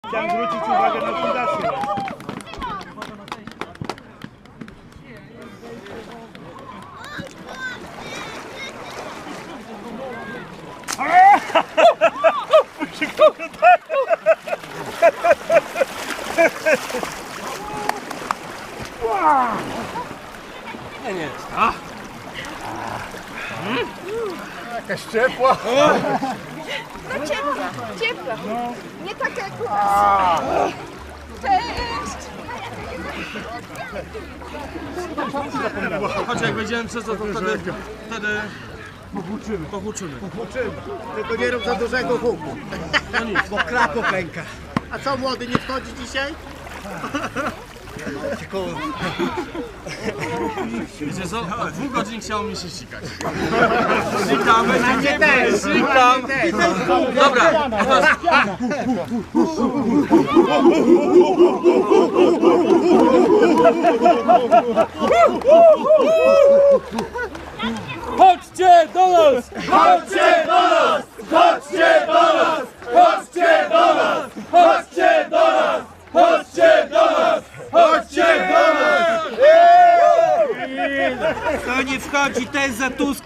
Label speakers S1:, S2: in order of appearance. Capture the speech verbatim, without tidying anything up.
S1: Chciałem zwrócić uwagę na fundację.
S2: Nie, nie.
S1: Jakaś ciepła.
S3: No ciepła, ciepła. Nie taka jak u nas. Cześć!
S2: Choć jak wejdziemy przez to, to wtedy, wtedy pohuczymy. pohuczymy.
S4: Tylko nie rób za dużego huku.
S2: No nic.
S4: Bo krako pęka. A co, młody, nie wchodzi dzisiaj?
S2: Wiecie co? Od dwóch godzin chciało mi się sikać. Sikam, będzie też, sikam. Dobra. Chodźcie do nas! Chodźcie do nas! Chodźcie do nas! Chodźcie do nas! Chodźcie do nas! Chodźcie do nas! Chodźcie do nas!
S4: To nie wchodzi, to jest za Tusk.